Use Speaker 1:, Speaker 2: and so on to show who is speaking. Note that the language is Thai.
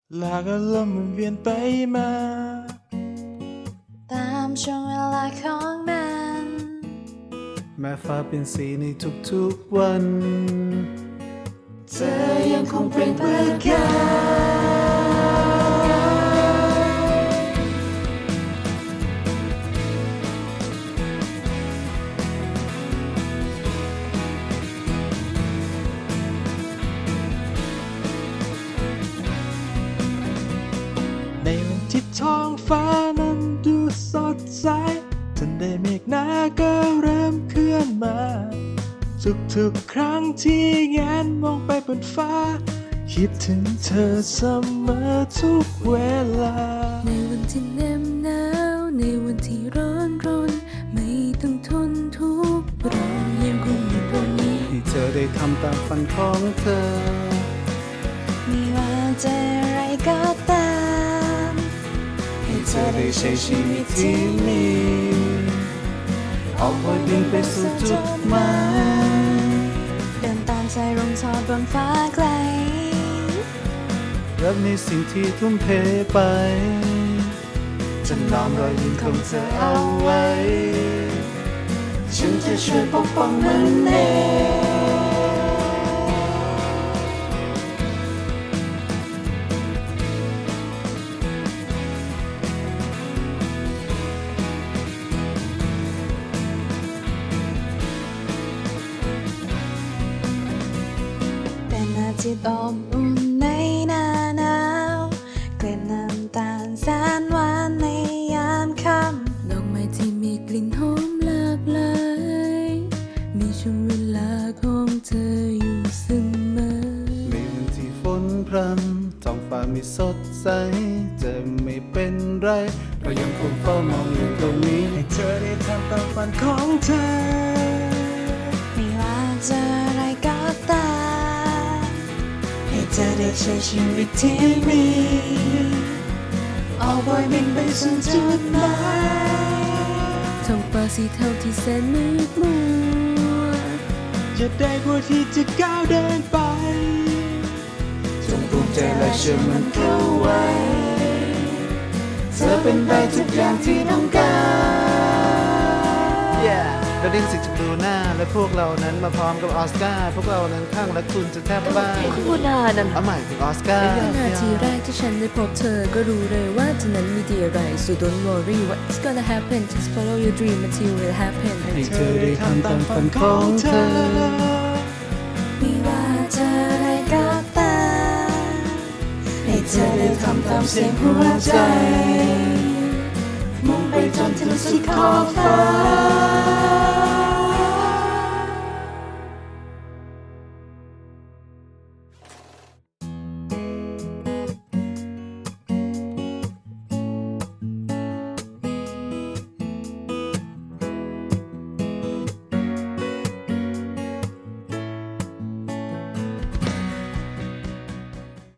Speaker 1: หลากอารมณ์หมุนเวียนไปมา
Speaker 2: ตามช่วงเวลาของมัน
Speaker 3: แม้ฟ้าเป็นสีในทุกๆวัน
Speaker 2: เธอยังคงเป็นเพื่อน
Speaker 1: ในวันที่ท้องฟ้านั้นดูสดใสทันใดเมฆหนาก็เริ่มเคลื่อนมาทุกๆครั้งที่แงนมองไปบนฟ้าคิดถึงเธอเสมอทุกเวลา
Speaker 2: ในวันที่เหน็บหนาวในวันที่ร้อนรนไม่ต้องทนทุกข์เรายังคงอยู่ตรงนี้
Speaker 3: ให้เธอได้ทำตามฝันของเธอ
Speaker 2: ไม่ว่าจะอะไรก็ตาม
Speaker 3: ให้เธอได้ใช้ชีวิตที่มีออกไปบินไปสู่จุดหมาย
Speaker 2: เดินตามสายลมทอดบนฟ้าไกล
Speaker 3: รับในสิ่งที่ทุ่มเทไปจะน้อมรอยยิ้มของเธอเอาไว้
Speaker 2: ฉันจะช่วยปกป้องมันเองเป็นอาทิตย์อบอุ่นในหน้าหนาวกลิ่นน้ำตาลแสนหวานในยามค่ำดอกไม้ที่มีกลิ่นหอมหลากหลายมีช่วงเวลาของเธออยู่เสมอ
Speaker 3: ในวันที่ฝนพรำท้องฟ้าไม่สดใสจะไม่เป็นไรเรายังคงเฝ้ามองอยู่ตรงนี้
Speaker 1: ให้เธอได้ทำตามฝันของเธอ
Speaker 2: ไม่ว่าจะอะไรก็ตามให้เธอได้ใช้ชีวิตที่มีออกไปบินไปสู่จุดหมายท้องฟ้าสีเทาที่แสนมืดมัว
Speaker 1: จะได้กว่าที่จะก้าวเดินไป
Speaker 3: จงภูมิใจและเชื่อมันเข้าไว้เธอเป็นได้ทุกอย่างที่ต้องการเราได้สิทธิ์ดูหน้าและพวกเรานั้นมาพร้อมกับออสการ์พวกเรานั้นข้างและคุณจะแทบบ้า
Speaker 2: คุณพูดนาน
Speaker 3: เอาใหม่ถึงออสการ์
Speaker 2: นาทีแรกที่ฉันได้พบเธอก็รู้เลยว่าเธอนั้นมีดีอะไร so don't worry what's gonna happen just follow your dream until it happen
Speaker 3: ให้เธอได้ทำตามฝันของเธอ
Speaker 2: ไม่ว่าจะอะไรก็ตามให้เธอได้ทำตามเสียงหัวใจมุ่งไปจนถึงสุดขอบฟ้า